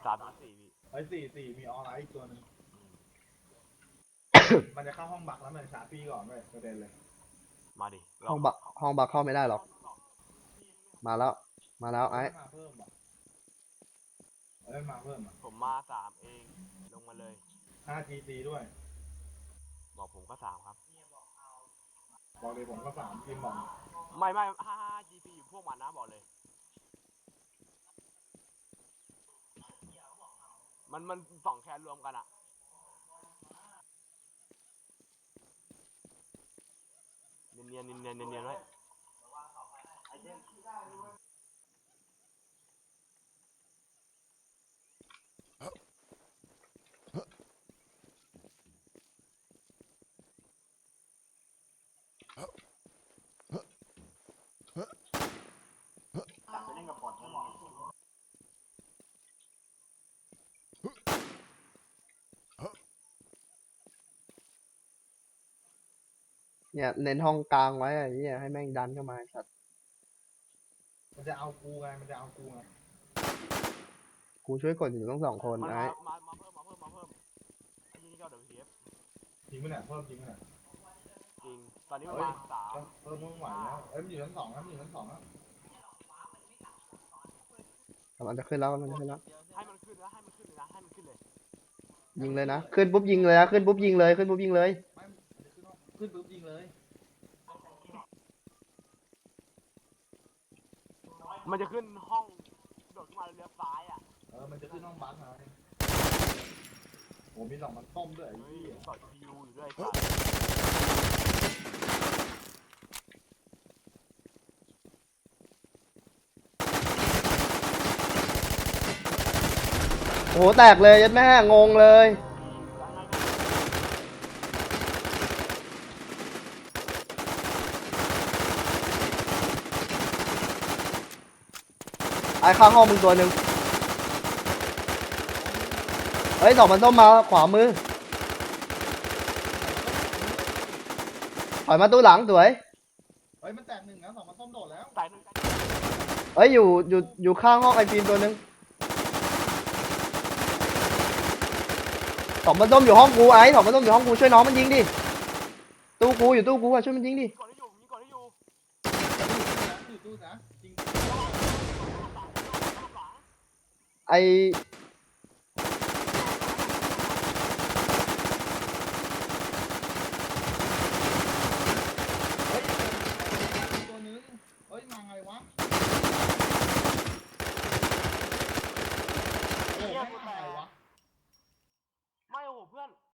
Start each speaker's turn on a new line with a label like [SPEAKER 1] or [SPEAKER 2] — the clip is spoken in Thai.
[SPEAKER 1] 3-4พี่
[SPEAKER 2] ไอ้4มีออนไลน์อีกตัวหนึ่ง มันจะเข้าห้องบักแล้วมันชาร์จพี่ก่อนเลยประเด็นเลย
[SPEAKER 1] มาดิ
[SPEAKER 3] ห้องบักเข้าไม่ได้หรอกมาแล้วไอ้
[SPEAKER 2] มาเพิ่มอ่ะมาเพิ่มอ่ะ
[SPEAKER 1] ผมมา3เองลงมาเลย
[SPEAKER 2] 5GC ด้วย
[SPEAKER 1] บอกผมก็3ครับ
[SPEAKER 2] บอกเลยผมก็3ทีมบอก
[SPEAKER 1] ไม่55 GP อยู่พวกมันนะบอกเลย มัน2แคนรวมกันอะเนียนไว้
[SPEAKER 3] เนี่ยเน้นห้องกลางไว้ไอ้เนี่ยให้แม่งดันเข้ามาสัตว์
[SPEAKER 2] มันจะเอากูไง
[SPEAKER 3] กูช่วยกดอยู่ต้อง2 คน
[SPEAKER 1] มัน
[SPEAKER 3] ไอ้
[SPEAKER 1] มาเพิ่มไอ้นี่ก็WPF
[SPEAKER 2] จริงไหมเนี่ยเพิ่มจริงไหมเนี่ย
[SPEAKER 1] จริง ตอนนี้มันมา3
[SPEAKER 2] เพิ่มมึงไหวแล้วมันอยู่ชั้น 2ครับมันอยู่ชั้น 2แล้ว
[SPEAKER 3] มันจะขึ้นแล้ว
[SPEAKER 1] ให้มันขึ้นเลยนะ
[SPEAKER 3] ยิงเลยนะขึ้นปุ๊บยิงเลยนะขึ้นปุ๊บยิงเลย
[SPEAKER 2] ไม่มันจะขึ้นปุ๊บยิงเลย
[SPEAKER 1] มันจะขึ้นห้องโดดขึ้นมาเลี้ยวซ้ายอ่ะ
[SPEAKER 2] มันจะขึ้นห้องบักนะโอ้มี2มันต้มด้วยไอ้
[SPEAKER 1] เฮ้ย
[SPEAKER 2] ที่
[SPEAKER 1] ต่อยคิวอยู่ด้วยสัตว์
[SPEAKER 3] โอ้โหแตกเลยยัดแม่งงเลยไอ้ข้างห้องมึงตัวหนึ่งเฮ้ย2 มันต้มมาขวามือถอยมาตู้หลังสวย
[SPEAKER 2] มันแตก1นะ2มันต้มโดดแล้ว
[SPEAKER 1] ตายหนึ่ง
[SPEAKER 3] เฮ้ยอยู่ข้างห้องไอฟิล์มตัวหนึ่ง2 มันต้มอยู่ห้องกูไอ้2 มันต้มอยู่ห้องกูช่วยน้องมันยิงดิตู้กูอะช่วยมันยิงดิ
[SPEAKER 1] ก่อนที่อยู่
[SPEAKER 2] อยู่ตู้นะจริง
[SPEAKER 3] ไอ